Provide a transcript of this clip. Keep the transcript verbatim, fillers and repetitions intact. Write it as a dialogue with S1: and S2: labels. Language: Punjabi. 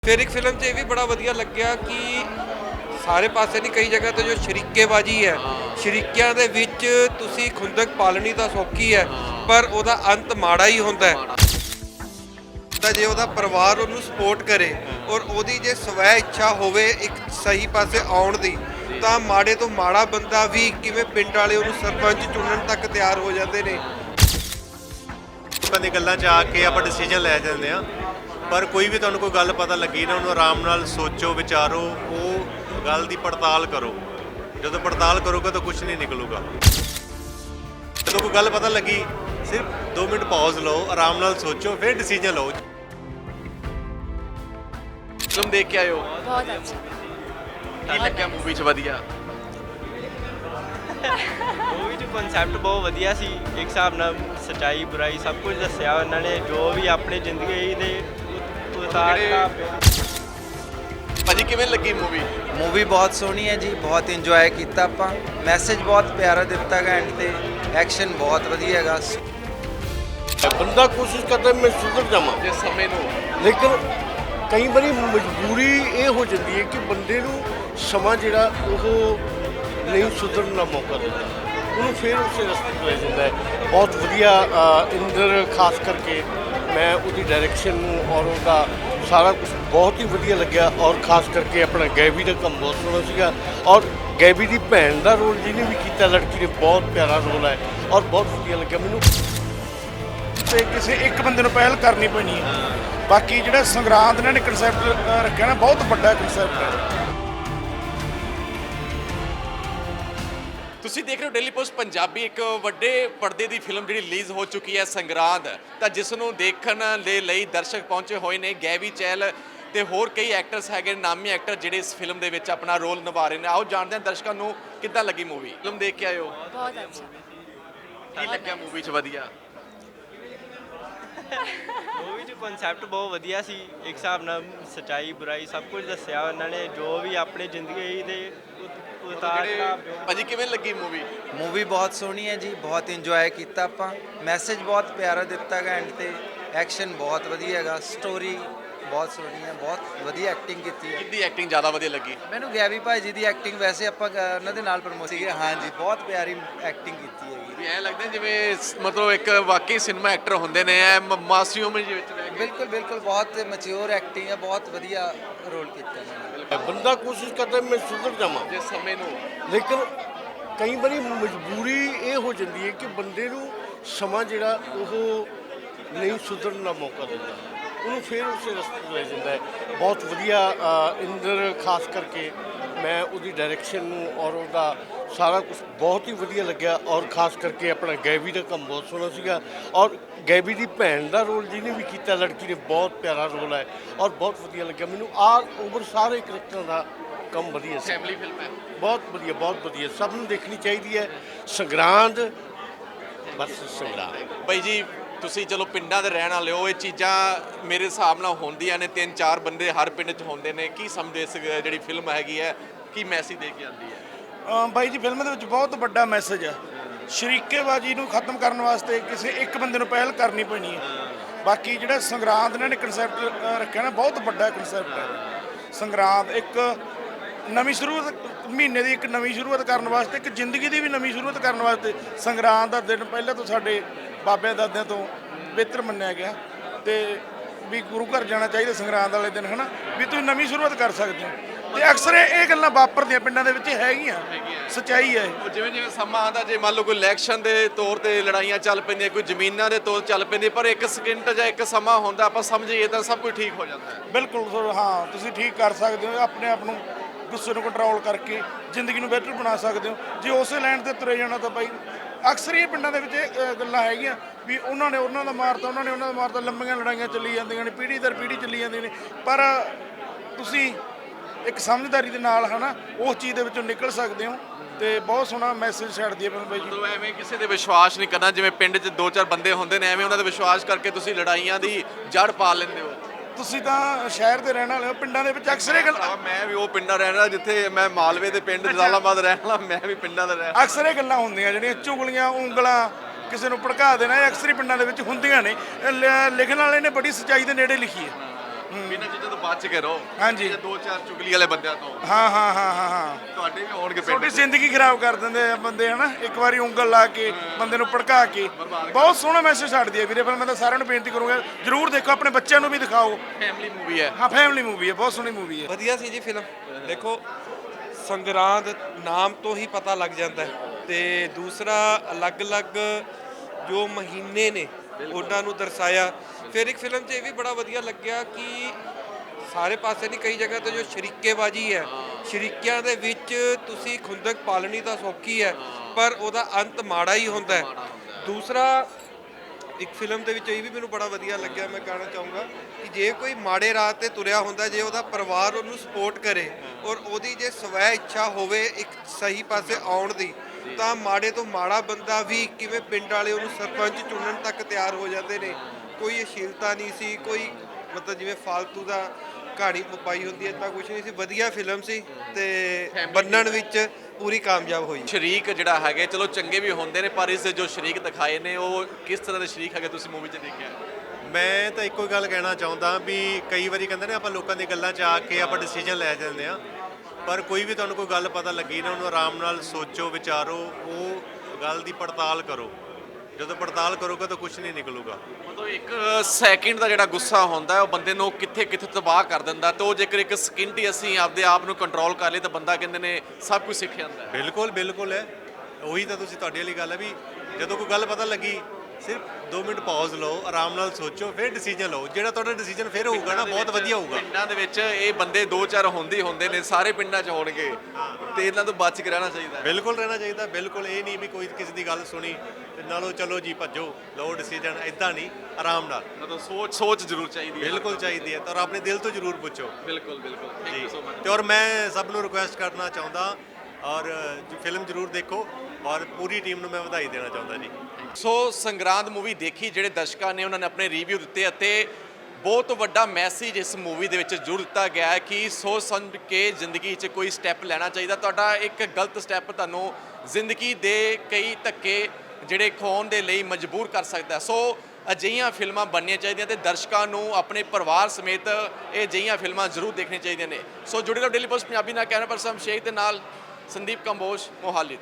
S1: ਫਿਰ ਇੱਕ ਫਿਲਮ 'ਚ ਇਹ ਵੀ ਬੜਾ ਵਧੀਆ ਲੱਗਿਆ ਕਿ ਸਾਰੇ ਪਾਸੇ ਨਹੀਂ, ਕਈ ਜਗ੍ਹਾ ਤੇ ਜੋ ਸ਼ਰੀਕੇਬਾਜ਼ੀ ਹੈ, ਸ਼ਰੀਕਿਆਂ ਦੇ ਵਿੱਚ ਤੁਸੀਂ ਖੁੰਦਕ ਪਾਲਣੀ ਤਾਂ ਸੌਖੀ ਹੈ, ਪਰ ਉਹਦਾ ਅੰਤ ਮਾੜਾ ਹੀ ਹੁੰਦਾ ਹੈ। ਤਾਂ ਜੇ ਉਹਦਾ ਪਰਿਵਾਰ ਉਹਨੂੰ ਸਪੋਰਟ ਕਰੇ ਔਰ ਉਹਦੀ ਜੇ ਸਵੈ ਇੱਛਾ ਹੋਵੇ ਇੱਕ ਸਹੀ ਪਾਸੇ ਆਉਣ ਦੀ, ਤਾਂ ਮਾੜੇ ਤੋਂ ਮਾੜਾ ਬੰਦਾ ਵੀ ਕਿਵੇਂ ਪਿੰਡ ਵਾਲੇ ਉਹਨੂੰ ਸਰਪੰਚ ਚੁਣਨ ਤੱਕ ਤਿਆਰ ਹੋ ਜਾਂਦੇ ਨੇ।
S2: ਦੀ ਗੱਲਾਂ 'ਚ ਆ ਕੇ ਆਪਾਂ ਡਿਸੀਜਨ ਲੈ ਜਾਂਦੇ ਆ, ਪਰ ਕੋਈ ਵੀ ਤੁਹਾਨੂੰ ਕੋਈ ਗੱਲ ਪਤਾ ਲੱਗੀ ਨਾ, ਉਹਨੂੰ ਆਰਾਮ ਨਾਲ ਸੋਚੋ, ਵਿਚਾਰੋ, ਉਹ ਗੱਲ ਦੀ ਪੜਤਾਲ ਕਰੋ। ਜਦੋਂ ਪੜਤਾਲ ਕਰੋਗੇ ਤਾਂ ਕੁਝ ਨਹੀਂ ਨਿਕਲੂਗਾ। ਜਦੋਂ ਕੋਈ ਗੱਲ ਪਤਾ ਲੱਗੀ, ਸਿਰਫ ਦੋ ਮਿੰਟ ਪੌਜ਼ ਲਓ, ਆਰਾਮ ਨਾਲ ਸੋਚੋ, ਫਿਰ ਡਿਸੀਜਨ ਲਓ।
S3: ਫਿਲਮ ਦੇਖ ਕੇ ਆਇਓ,
S4: बहुत अच्छा।
S3: ਕੀ ਲੱਗਿਆ ਮੂਵੀ 'ਚ? ਵਧੀਆ
S5: ਮੂਵੀ 'ਚ ਕਨਸੈਪਟ ਬਹੁਤ ਵਧੀਆ ਸੀ। ਇੱਕ ਹਿਸਾਬ ਨਾਲ ਸੱਚਾਈ ਬੁਰਾਈ ਸਭ ਕੁਝ ਦੱਸਿਆ ਉਹਨਾਂ ਨੇ, ਜੋ ਵੀ ਆਪਣੀ ਜ਼ਿੰਦਗੀ ਦੇ ਉਤਾਰ
S3: ਭਾਜੀ ਕਿਵੇਂ ਲੱਗੀ ਮੂਵੀ?
S6: ਮੂਵੀ ਬਹੁਤ ਸੋਹਣੀ ਹੈ ਜੀ, ਬਹੁਤ ਇੰਜੋਏ ਕੀਤਾ ਆਪਾਂ। ਮੈਸੇਜ ਬਹੁਤ ਪਿਆਰਾ ਦਿੱਤਾ ਗਿਆ ਐਂਡ ਤੇ ਐਕਸ਼ਨ ਬਹੁਤ ਵਧੀਆ ਹੈਗਾ।
S7: ਬੰਦਾ ਕੋਸ਼ਿਸ਼ ਕਰਦਾ ਮੈਂ ਸੁਧਰ ਜਾਵਾਂ,
S3: ਜੇ ਸਮੇਂ ਨੂੰ
S7: ਲੇਕਿਨ ਕਈ ਵਾਰੀ ਮਜਬੂਰੀ ਇਹ ਹੋ ਜਾਂਦੀ ਹੈ ਕਿ ਬੰਦੇ ਨੂੰ ਸਮਾਂ ਜਿਹੜਾ ਉਹ ਨਹੀਂ ਸੁਧਰਨ ਦਾ ਮੌਕਾ ਦਿੰਦਾ, ਉਹਨੂੰ ਫਿਰ ਉਸੇ ਰਸਤੇ 'ਤੇ ਲੈ ਜਾਂਦਾ ਹੈ। ਬਹੁਤ ਵਧੀਆ ਇੰਦਰ, ਖਾਸ ਕਰਕੇ ਮੈਂ ਉਹਦੀ ਡਾਇਰੈਕਸ਼ਨ ਨੂੰ ਔਰ ਉਹਦਾ ਸਾਰਾ ਕੁਝ ਬਹੁਤ ਹੀ ਵਧੀਆ ਲੱਗਿਆ। ਔਰ ਖਾਸ ਕਰਕੇ ਆਪਣਾ ਗੈਬੀ ਦਾ ਕੰਮ ਬਹੁਤ ਸੋਹਣਾ ਸੀਗਾ, ਔਰ ਗੈਬੀ ਦੀ ਭੈਣ ਦਾ ਰੋਲ ਜਿਹਨੇ ਵੀ ਕੀਤਾ, ਲੜਕੀ ਨੇ ਬਹੁਤ ਪਿਆਰਾ ਰੋਲ ਹੈ ਔਰ ਬਹੁਤ ਵਧੀਆ ਲੱਗਿਆ ਮੈਨੂੰ।
S8: ਤੇ ਕਿਸੇ ਇੱਕ ਬੰਦੇ ਨੂੰ ਪਹਿਲ ਕਰਨੀ ਪੈਣੀ ਹੈ। ਬਾਕੀ ਜਿਹੜਾ ਸੰਗਰਾਂਦ ਨੇ ਕਨਸੈਪਟ ਰੱਖਿਆ ਨਾ, ਬਹੁਤ ਵੱਡਾ ਕਨਸੈਪਟ ਹੈ।
S3: ਤੁਸੀਂ ਦੇਖ ਰਹੇ ਹੋ ਡੇਲੀ ਪੋਸਟ ਪੰਜਾਬੀ। ਇੱਕ ਵੱਡੇ ਪਰਦੇ ਦੀ ਫਿਲਮ ਜਿਹੜੀ ਰਿਲੀਜ਼ ਹੋ ਚੁੱਕੀ ਹੈ, ਸੰਗਰਾਂਦ, ਤਾਂ ਜਿਸ ਨੂੰ ਦੇਖਣ ਦੇ ਲਈ ਦਰਸ਼ਕ ਪਹੁੰਚੇ ਹੋਏ ਨੇ। ਗੈਵੀ ਚਹਿਲ ਤੇ ਹੋਰ ਕਈ ਐਕਟਰਸ ਹੈਗੇ, ਨਾਮੀ ਐਕਟਰ, ਜਿਹੜੇ ਇਸ ਫਿਲਮ ਦੇ ਵਿੱਚ ਆਪਣਾ ਰੋਲ ਨਿਭਾ ਰਹੇ ਨੇ। ਆਓ ਜਾਣਦੇ ਹਾਂ ਦਰਸ਼ਕਾਂ ਨੂੰ ਕਿੱਦਾਂ ਲੱਗੀ ਮੂਵੀ। ਫਿਲਮ ਦੇਖ ਕੇ ਆਇਓ,
S4: बहुत अच्छा।
S3: ਕੀ ਲੱਗਿਆ ਮੂਵੀ 'ਚ? ਵਧੀਆ
S5: ਮੂਵੀ 'ਚ ਕਨਸੈਪਟ ਬਹੁਤ ਵਧੀਆ ਸੀ। ਇੱਕ ਹਿਸਾਬ ਨਾਲ ਸੱਚਾਈ ਬੁਰਾਈ ਸਭ ਕੁਝ ਦੱਸਿਆ ਉਹਨਾਂ ਨੇ, ਜੋ ਵੀ ਆਪਣੀ ਜ਼ਿੰਦਗੀ ਦੇ ਉਤਾਰ
S3: ਭਾਜੀ ਕਿਵੇਂ ਲੱਗੀ ਮੂਵੀ?
S6: ਮੂਵੀ ਬਹੁਤ ਸੋਹਣੀ ਹੈ ਜੀ, ਬਹੁਤ ਇੰਜੋਏ ਕੀਤਾ ਆਪਾਂ। ਮੈਸੇਜ ਬਹੁਤ ਪਿਆਰਾ ਦਿੱਤਾ ਗਿਆ ਐਂਡ ਤੇ ਐਕਸ਼ਨ ਬਹੁਤ ਵਧੀਆ ਹੈਗਾ। ਸਟੋਰੀ ਬਹੁਤ ਸੋਹਣੀ ਹੈ, ਬਹੁਤ ਵਧੀਆ ਐਕਟਿੰਗ ਕੀਤੀ ਹੈ।
S3: ਕਿਹਦੀ ਐਕਟਿੰਗ ਜ਼ਿਆਦਾ ਵਧੀਆ ਲੱਗੀ?
S6: ਮੈਨੂੰ ਗੈਵੀ ਭਾਈ ਜੀ ਦੀ ਐਕਟਿੰਗ, ਵੈਸੇ ਆਪਾਂ ਉਹਨਾਂ ਦੇ ਨਾਲ ਪ੍ਰਮੋਟ ਸੀਗੇ, ਹਾਂਜੀ ਬਹੁਤ ਪਿਆਰੀ ਐਕਟਿੰਗ ਕੀਤੀ ਹੈਗੀ।
S3: ਵੀ ਐਂ ਲੱਗਦਾ ਜਿਵੇਂ ਸ- ਮਤਲਬ ਇੱਕ ਵਾਕਈ ਸਿਨੇਮਾ ਐਕਟਰ ਹੁੰਦੇ ਨੇ, ਐ ਮਾਸੀ ਉਮਰ ਦੇ ਵਿੱਚ ਰਹਿ ਕੇ।
S6: ਬਿਲਕੁਲ ਬਿਲਕੁਲ ਬਹੁਤ ਮੈਚੁਰ ਐਕਟਿੰਗ ਹੈ, ਬਹੁਤ ਵਧੀਆ ਰੋਲ ਕੀਤਾ ਉਹਨਾਂ ਨੇ।
S7: ਬੰਦਾ ਕੋਸ਼ਿਸ਼ ਕਰਦਾ ਮੈਂ ਸੁਧਰ ਜਾਵਾਂ,
S3: ਜੇ ਸਮੇਂ ਨੂੰ
S7: ਲੇਕਿਨ ਕਈ ਵਾਰੀ ਮਜਬੂਰੀ ਇਹ ਹੋ ਜਾਂਦੀ ਹੈ ਕਿ ਬੰਦੇ ਨੂੰ ਸਮਾਂ ਜਿਹੜਾ ਉਹ ਨਹੀਂ ਸੁਧਰਨ ਦਾ ਮੌਕਾ ਦਿੰਦਾ, ਉਹਨੂੰ ਫਿਰ ਉਸੇ ਰਸਤੇ 'ਤੇ ਲੈ ਜਾਂਦਾ ਹੈ। ਬਹੁਤ ਵਧੀਆ ਇੰਦਰ, ਖਾਸ ਕਰਕੇ ਮੈਂ ਉਹਦੀ ਡਾਇਰੈਕਸ਼ਨ ਨੂੰ ਔਰ ਉਹਦਾ ਸਾਰਾ ਕੁਝ ਬਹੁਤ ਹੀ ਵਧੀਆ ਲੱਗਿਆ। ਔਰ ਖਾਸ ਕਰਕੇ ਆਪਣਾ ਗੈਬੀ ਦਾ ਕੰਮ ਬਹੁਤ ਸੋਹਣਾ ਸੀਗਾ, ਔਰ ਗੈਬੀ ਦੀ ਭੈਣ ਦਾ ਰੋਲ ਜਿਹਨੇ ਵੀ ਕੀਤਾ, ਲੜਕੀ ਨੇ ਬਹੁਤ ਪਿਆਰਾ ਰੋਲ ਹੈ ਔਰ ਬਹੁਤ ਵਧੀਆ ਲੱਗਿਆ ਮੈਨੂੰ। ਆਲ ਓਵਰ ਸਾਰੇ ਕਰੈਕਟਰਾਂ ਦਾ ਕੰਮ ਵਧੀਆ ਸੀ।
S3: ਫੈਮਿਲੀ ਫਿਲਮ ਹੈ,
S7: ਬਹੁਤ ਵਧੀਆ, ਬਹੁਤ ਵਧੀਆ, ਸਭ ਨੂੰ ਦੇਖਣੀ ਚਾਹੀਦੀ ਹੈ। ਸੰਗਰਾਂਦ, ਬਸ ਸੰਗਰਾਂਦ।
S3: ਬਾਈ ਜੀ ਤੁਸੀਂ ਚਲੋ ਪਿੰਡਾਂ ਦੇ ਰਹਿਣ ਵਾਲੇ ਹੋ, ਇਹ ਚੀਜ਼ਾਂ ਮੇਰੇ ਹਿਸਾਬ ਨਾਲ ਹੁੰਦੀਆਂ ਨੇ, ਤਿੰਨ ਚਾਰ ਬੰਦੇ ਹਰ ਪਿੰਡ 'ਚ ਹੁੰਦੇ ਨੇ। ਕੀ ਸਮਝਦੇ ਇਸ ਜਿਹੜੀ ਫਿਲਮ ਹੈਗੀ ਹੈ, ਕੀ ਮੈਸੇਜ ਦੇ ਕੇ ਆਉਂਦੀ ਹੈ?
S8: ਅਮ ਬਾਈ ਜੀ ਫਿਲਮ ਦੇ ਵਿੱਚ ਬਹੁਤ ਵੱਡਾ ਮੈਸੇਜ ਹੈ। ਸ਼ਰੀਕੇਬਾਜ਼ੀ ਨੂੰ ਖਤਮ ਕਰਨ ਵਾਸਤੇ ਕਿਸੇ ਇੱਕ ਬੰਦੇ ਨੂੰ ਪਹਿਲ ਕਰਨੀ ਪੈਣੀ ਹੈ। ਬਾਕੀ ਜਿਹੜਾ ਸੰਗਰਾਂਦ ਨੇ ਕਨਸੈਪਟ ਰੱਖਿਆ ਨਾ, ਬਹੁਤ ਵੱਡਾ ਕਨਸੈਪਟ ਹੈ। ਸੰਗਰਾਂਦ ਇੱਕ ਨਵੀਂ ਸ਼ੁਰੂਆਤ, ਮਹੀਨੇ ਦੀ ਇੱਕ ਨਵੀਂ ਸ਼ੁਰੂਆਤ ਕਰਨ ਵਾਸਤੇ, ਇੱਕ ਜ਼ਿੰਦਗੀ ਦੀ ਵੀ ਨਵੀਂ ਸ਼ੁਰੂਆਤ ਕਰਨ ਵਾਸਤੇ ਸੰਗਰਾਂਦ ਦਾ ਦਿਨ ਪਹਿਲਾਂ ਤੋਂ ਸਾਡੇ ਬਾਬਿਆਂ ਦਾਦਿਆਂ ਤੋਂ ਬਿਹਤਰ ਮੰਨਿਆ ਗਿਆ। ਤੇ ਵੀ ਗੁਰੂ ਘਰ ਜਾਣਾ ਚਾਹੀਦਾ ਸੰਗਰਾਂਦ ਵਾਲੇ ਦਿਨ, ਹੈ ਨਾ, ਵੀ ਤੁਸੀਂ ਨਵੀਂ ਸ਼ੁਰੂਆਤ ਕਰ ਸਕਦੇ ਹੋ। ਤੇ ਅਕਸਰ ਇਹ ਗੱਲਾਂ ਵਾਪਰਦੀਆਂ ਪਿੰਡਾਂ ਦੇ ਵਿੱਚ ਹੈਗੀਆਂ, ਸੱਚਾਈ ਹੈ ਇਹ।
S3: ਉਹ ਜਿਵੇਂ ਜਿਵੇਂ ਸਮਾਂ ਆਉਂਦਾ, ਜੇ ਮੰਨ ਲਓ ਕੋਈ ਇਲੈਕਸ਼ਨ ਦੇ ਤੌਰ ਤੇ ਲੜਾਈਆਂ ਚੱਲ ਪੈਂਦੀਆਂ, ਕੋਈ ਜ਼ਮੀਨਾਂ ਦੇ ਤੌਰ ਚੱਲ ਪੈਂਦੀ, ਪਰ ਇੱਕ ਸਕਿੰਟ ਜਾਂ ਇੱਕ ਸਮਾਂ ਹੁੰਦਾ, ਆਪਾਂ ਸਮਝੀਏ ਤਾਂ ਸਭ ਕੁਝ ਠੀਕ ਹੋ ਜਾਂਦਾ ਹੈ।
S8: ਬਿਲਕੁਲ ਸਰ, ਹਾਂ ਤੁਸੀਂ ਠੀਕ ਕਰ ਸਕਦੇ ਹੋ। ਆਪਣੇ ਆਪ ਨੂੰ, ਗੁੱਸੇ ਨੂੰ ਕੰਟਰੋਲ ਕਰਕੇ ਜ਼ਿੰਦਗੀ ਨੂੰ ਬਿਹਤਰ ਬਣਾ ਸਕਦੇ ਹੋ। ਜੇ ਉਸੇ ਲਾਈਨ ਤੇ ਤੁਰੇ ਜਾਣਾ ਤਾਂ ਬਾਈ ਅਕਸਰ ਹੀ ਪਿੰਡਾਂ ਦੇ ਵਿੱਚ ਇਹ ਗੱਲਾਂ ਹੈਗੀਆਂ ਵੀ ਉਹਨਾਂ ਨੇ ਉਹਨਾਂ ਦਾ ਮਾਰਤਾ, ਉਹਨਾਂ ਨੇ ਉਹਨਾਂ ਦਾ ਮਾਰਤਾ, ਲੰਬੀਆਂ ਲੜਾਈਆਂ ਚੱਲੀ ਜਾਂਦੀਆਂ ਨੇ, ਪੀੜ੍ਹੀ ਦਰ ਪੀੜ੍ਹੀ ਚੱਲੀ ਜਾਂਦੀਆਂ ਨੇ। ਪਰ ਤੁਸੀਂ ਇੱਕ ਸਮਝਦਾਰੀ ਦੇ ਨਾਲ, ਹੈ ਨਾ, ਉਸ ਚੀਜ਼ ਦੇ ਵਿੱਚੋਂ ਨਿਕਲ ਸਕਦੇ ਹੋ। ਤੇ ਬਹੁਤ ਸੋਹਣਾ ਮੈਸੇਜ ਛੱਡਦੀ ਹੈ ਫਿਲਮ ਬਾਈ ਜੀ।
S3: ਮਤਲਬ ਐਵੇਂ ਕਿਸੇ ਤੇ ਵਿਸ਼ਵਾਸ ਨਹੀਂ ਕਰਨਾ, ਜਿਵੇਂ ਪਿੰਡ 'ਚ ਦੋ ਚਾਰ ਬੰਦੇ ਹੁੰਦੇ ਨੇ, ਐਵੇਂ ਉਹਨਾਂ ਤੇ ਵਿਸ਼ਵਾਸ ਕਰਕੇ ਤੁਸੀਂ ਲੜਾਈਆਂ ਦੀ ਜੜ ਪਾ ਲੈਂਦੇ ਹੋ।
S8: ਤੁਸੀਂ ਤਾਂ ਸ਼ਹਿਰ ਦੇ ਰਹਿਣ ਵਾਲੇ ਹੋ, ਪਿੰਡਾਂ ਦੇ ਵਿੱਚ ਅਕਸਰ ਇਹ ਗੱਲ
S3: ਭਰਾਵਾ ਮੈਂ ਵੀ ਉਹ ਪਿੰਡਾਂ ਰਹਿਣ ਵਾਲਾ, ਜਿੱਥੇ ਮੈਂ ਮਾਲਵੇ ਦੇ ਪਿੰਡ ਜਲਾਲਾਬਾਦ ਰਹਿਣ ਵਾਲਾ, ਮੈਂ ਵੀ ਪਿੰਡਾਂ ਦਾ ਰਹਿਣ।
S8: ਅਕਸਰ ਇਹ ਗੱਲਾਂ ਹੁੰਦੀਆਂ ਜਿਹੜੀਆਂ ਚੁਗਲੀਆਂ, ਉਂਗਲਾਂ, ਕਿਸੇ ਨੂੰ ਭੜਕਾ ਦੇਣਾ, ਇਹ ਅਕਸਰ ਹੀ ਪਿੰਡਾਂ ਦੇ ਵਿੱਚ ਹੁੰਦੀਆਂ ਨੇ। ਇਹ ਲ- ਲਿਖਣ ਵਾਲੇ ਨੇ ਬੜੀ ਸੱਚਾਈ ਦੇ ਨੇੜੇ ਲਿਖੀ ਹੈ।
S3: ਬਿਨਾਂ ਚੀਜ਼ਾਂ ਤੋਂ ਬਚ ਕੇ ਰਹੋ
S8: ਹਾਂਜੀ।
S3: ਇਹ ਦੋ ਚਾਰ ਚੁਗਲੀ ਵਾਲੇ ਬੰਦਿਆਂ ਤੋਂ
S8: ਹਾਂ ਹਾਂ ਹਾਂ ਹਾਂ ਹਾਂ
S3: ਤੁਹਾਡੇ ਵੀ ਹੋਣਗੇ ਪਿੰਡ
S8: ਤੁਹਾਡੀ
S3: 'ਚ।
S8: ਜ਼ਿੰਦਗੀ ਖਰਾਬ ਕਰ ਦਿੰਦੇ ਆ ਬੰਦੇ ਹਨਾ, ਇੱਕ ਵਾਰੀ ਉਂਗਲ ਲਾ ਕੇ ਬੰਦੇ ਨੂੰ ਭੜਕਾ ਕੇ। ਬਹੁਤ ਸੋਹਣਾ ਮੈਸੇਜ ਛੱਡਦੀ ਹੈ ਵੀਰੇ, ਫਿਰ ਮੈਂ ਤਾਂ ਸਾਰਿਆਂ ਨੂੰ ਬੇਨਤੀ ਕਰੂੰਗਾ ਜਰੂਰ ਦੇਖੋ, ਆਪਣੇ ਬੱਚਿਆਂ ਨੂੰ ਵੀ ਦਿਖਾਓ।
S3: ਫੈਮਿਲੀ ਮੂਵੀ ਹੈ।
S8: ਹਾਂ ਫੈਮਿਲੀ ਮੂਵੀ ਹੈ, ਬਹੁਤ ਸੋਹਣੀ ਮੂਵੀ ਹੈ।
S1: ਵਧੀਆ ਸੀ ਜੀ ਫਿਲਮ। ਦੇਖੋ ਸੰਗਰਾਂਦ ਨਾਮ ਤੋਂ ਹੀ ਪਤਾ ਲੱਗ ਜਾਂਦਾ ਹੈ, ਤੇ ਦੂਸਰਾ ਅਲੱਗ-ਅਲੱਗ ਜੋ ਮਹੀਨੇ ਨੇ ਉਹਨਾਂ ਨੂੰ ਦਰਸਾਇਆ। ਫਿਰ ਇੱਕ ਫਿਲਮ 'ਚ ਇਹ ਵੀ ਬੜਾ ਵਧੀਆ ਲੱਗਿਆ ਕਿ ਸਾਰੇ ਪਾਸੇ ਨਹੀਂ, ਕਈ ਜਗ੍ਹਾ ਤੇ ਜੋ ਸ਼ਰੀਕੇਬਾਜ਼ੀ ਹੈ, ਸ਼ਰੀਕਿਆਂ ਦੇ ਵਿੱਚ ਤੁਸੀਂ ਖੁੰਦਕ ਪਾਲਣੀ ਤਾਂ ਸੌਖੀ ਹੈ, ਪਰ ਉਹਦਾ ਅੰਤ ਮਾੜਾ ਹੀ ਹੁੰਦਾ ਹੈ। ਦੂਸਰਾ ਇੱਕ ਫਿਲਮ ਦੇ ਵਿੱਚ ਇਹ ਵੀ ਮੈਨੂੰ ਬੜਾ ਵਧੀਆ ਲੱਗਿਆ, ਮੈਂ ਕਹਿਣਾ ਚਾਹੂੰਗਾ ਕਿ ਜੇ ਕੋਈ ਮਾੜੇ ਰਾਹ ਤੇ ਤੁਰਿਆ ਹੁੰਦਾ, ਜੇ ਉਹਦਾ ਪਰਿਵਾਰ ਉਹਨੂੰ ਸਪੋਰਟ ਕਰੇ ਔਰ ਉਹਦੀ ਜੇ ਸਵੈ ਇੱਛਾ ਹੋਵੇ ਇੱਕ ਸਹੀ ਪਾਸੇ ਆਉਣ ਦੀ, ਤਾਂ ਮਾੜੇ ਤੋਂ ਮਾੜਾ ਬੰਦਾ ਵੀ ਕਿਵੇਂ ਪਿੰਡ ਵਾਲੇ ਉਹਨੂੰ ਸਰਪੰਚ ਚੁਣਨ ਤੱਕ ਤਿਆਰ ਹੋ ਜਾਂਦੇ ਨੇ। ਕੋਈ ਅਸ਼ੀਲਤਾ ਨਹੀਂ ਸੀ, ਕੋਈ ਮਤਲਬ ਜਿਵੇਂ ਫਾਲਤੂ ਦਾ ਕਹਾਣੀ ਪਾਈ ਹੁੰਦੀ ਹੈ, ਤਾਂ ਕੁਝ ਨਹੀਂ ਸੀ। ਵਧੀਆ ਫਿਲਮ ਸੀ ਤੇ ਬੰਨਣ ਵਿੱਚ ਪੂਰੀ ਕਾਮਯਾਬ ਹੋਈ।
S3: ਸ਼ਰੀਕ ਜਿਹੜਾ ਹੈਗੇ ਚਲੋ ਚੰਗੇ ਵੀ ਹੁੰਦੇ ਨੇ, ਪਰ ਇਸ ਦੇ ਜੋ ਸ਼ਰੀਕ ਦਿਖਾਏ ਨੇ ਉਹ ਕਿਸ ਤਰ੍ਹਾਂ ਦੇ ਸ਼ਰੀਕ ਹੈਗੇ ਤੁਸੀਂ ਮੂਵੀ 'ਚ ਦੇਖਿਆ?
S2: ਮੈਂ ਤਾਂ ਇੱਕੋ ਹੀ ਗੱਲ ਕਹਿਣਾ ਚਾਹੁੰਦਾ ਵੀ ਕਈ ਵਾਰੀ ਕਹਿੰਦੇ ਨੇ ਆਪਾਂ ਲੋਕਾਂ ਦੀਆਂ ਗੱਲਾਂ 'ਚ ਆ ਕੇ ਆਪਾਂ ਡਿਸੀਜਨ ਲੈ ਜਾਂਦੇ ਆ, ਪਰ ਕੋਈ ਵੀ ਤੁਹਾਨੂੰ ਕੋਈ ਗੱਲ ਪਤਾ ਲੱਗੀ ਨਾ, ਉਹਨੂੰ ਆਰਾਮ ਨਾਲ ਸੋਚੋ, ਵਿਚਾਰੋ, ਉਹ ਗੱਲ ਦੀ ਪੜਤਾਲ ਕਰੋ। ਜਦੋਂ ਪੜਤਾਲ ਕਰੋਗੇ ਤਾਂ ਕੁਝ ਨਹੀਂ ਨਿਕਲੂਗਾ।
S3: ਮਤਲਬ ਇੱਕ ਸੈਕਿੰਡ ਦਾ ਜਿਹੜਾ ਗੁੱਸਾ ਹੁੰਦਾ ਹੈ ਉਹ ਬੰਦੇ ਨੂੰ ਕਿੱਥੇ ਕਿੱਥੇ ਤਬਾਹ ਕਰ ਦਿੰਦਾ, ਤੇ ਉਹ ਜੇਕਰ ਇੱਕ ਸਕਿੰਟ ਹੀ ਅਸੀਂ ਆਪਦੇ ਆਪ ਨੂੰ ਕੰਟਰੋਲ ਕਰ ਲਈ ਤਾਂ ਬੰਦਾ ਕਹਿੰਦੇ ਨੇ ਸਭ ਕੁਝ ਸਿੱਖ ਜਾਂਦਾ ਹੈ।
S2: ਬਿਲਕੁਲ ਬਿਲਕੁਲ ਹੈ, ਉਹੀ ਤਾਂ ਤੁਸੀਂ ਤੁਹਾਡੇ ਵਾਲੀ ਗੱਲ ਹੈ ਵੀ ਜਦੋਂ ਕੋਈ ਗੱਲ ਪਤਾ ਲੱਗੀ ਸਿਰਫ ਦੋ ਮਿੰਟ ਪੌਜ਼ ਲਓ, ਆਰਾਮ ਨਾਲ ਸੋਚੋ, ਫਿਰ ਡਿਸੀਜਨ ਲਓ। ਜਿਹੜਾ ਤੁਹਾਡਾ ਡਿਸੀਜਨ ਫਿਰ ਹੋਊਗਾ ਨਾ, ਬਹੁਤ ਵਧੀਆ ਹੋਊਗਾ।
S3: ਪਿੰਡਾਂ ਦੇ ਵਿੱਚ ਇਹ ਬੰਦੇ ਦੋ ਚਾਰ ਹੁੰਦੇ ਹੀ ਹੁੰਦੇ ਨੇ, ਸਾਰੇ ਪਿੰਡਾਂ 'ਚ ਹੋਣਗੇ, ਤੇ ਇਹਨਾਂ ਤੋਂ ਬਚ ਕੇ ਰਹਿਣਾ ਚਾਹੀਦਾ ਹੈ।
S2: ਬਿਲਕੁਲ ਰਹਿਣਾ ਚਾਹੀਦਾ, ਬਿਲਕੁਲ ਇਹ ਨਹੀਂ ਵੀ ਕੋਈ ਕਿਸੇ ਦੀ ਗੱਲ ਸੁਣੀ ਤੇ ਨਾਲੋਂ ਚਲੋ ਜੀ ਭੱਜੋ, ਲਓ ਡਿਸੀਜਨ, ਇਦਾਂ ਨਹੀਂ, ਆਰਾਮ ਨਾਲ।
S3: ਮਤਲਬ ਸੋਚ ਸੋਚ ਜ਼ਰੂਰ ਚਾਹੀਦੀ ਹੈ।
S2: ਬਿਲਕੁਲ ਚਾਹੀਦੀ ਹੈ, ਤਾਂ ਆਪਣੇ ਦਿਲ ਤੋਂ ਜ਼ਰੂਰ ਪੁੱਛੋ।
S3: ਬਿਲਕੁਲ ਬਿਲਕੁਲ ਥੈਂਕ
S2: ਜੀ
S3: ਯੂ ਸੋ ਮਚ।
S2: ਤੇ ਔਰ ਮੈਂ ਸਭ ਨੂੰ ਰਿਕੁਐਸਟ ਕਰਨਾ ਚਾਹੁੰਦਾ ਔਰ ਫਿਲਮ ਜ਼ਰੂਰ ਦੇਖੋ, ਔਰ ਪੂਰੀ ਟੀਮ ਨੂੰ ਮੈਂ ਵਧਾਈ ਦੇਣਾ ਚਾਹੁੰਦਾ ਜੀ।
S3: ਸੋ ਸੰਗਰਾਂਦ ਮੂਵੀ ਦੇਖੀ, ਜਿਹੜੇ ਦਰਸ਼ਕਾਂ ਨੇ ਉਹਨਾਂ ਨੇ ਆਪਣੇ ਰਿਵਿਊ ਦਿੱਤੇ ਅਤੇ ਬਹੁਤ ਵੱਡਾ ਮੈਸੇਜ ਇਸ ਮੂਵੀ ਦੇ ਵਿੱਚ ਜ਼ਰੂਰ ਦਿੱਤਾ ਗਿਆ ਹੈ ਕਿ ਸੋਚ ਸਮਝ ਕੇ ਜ਼ਿੰਦਗੀ 'ਚ ਕੋਈ ਸਟੈਪ ਲੈਣਾ ਚਾਹੀਦਾ। ਤੁਹਾਡਾ ਇੱਕ ਗਲਤ ਸਟੈਪ ਤੁਹਾਨੂੰ ਜ਼ਿੰਦਗੀ ਦੇ ਕਈ ਧੱਕੇ ਜਿਹੜੇ ਖਾਣ ਦੇ ਲਈ ਮਜਬੂਰ ਕਰ ਸਕਦਾ। ਸੋ ਅਜਿਹੀਆਂ ਫਿਲਮਾਂ ਬਣਨੀਆਂ ਚਾਹੀਦੀਆਂ ਤੇ ਦਰਸ਼ਕਾਂ ਨੂੰ ਆਪਣੇ ਪਰਿਵਾਰ ਸਮੇਤ ਇਹ ਅਜਿਹੀਆਂ ਫਿਲਮਾਂ ਜ਼ਰੂਰ ਦੇਖਣੀਆਂ ਚਾਹੀਦੀਆਂ ਨੇ। ਸੋ ਜੁੜੇ ਰਹੋ ਡੇਲੀ ਪੋਸਟ ਪੰਜਾਬੀ ਨਾਲ। ਕੈਮਰਾ ਪਰਸਨ ਸ਼ੇਖ ਦੇ ਨਾਲ ਸੰਦੀਪ ਕੰਬੋਜ, ਮੋਹਾਲੀ।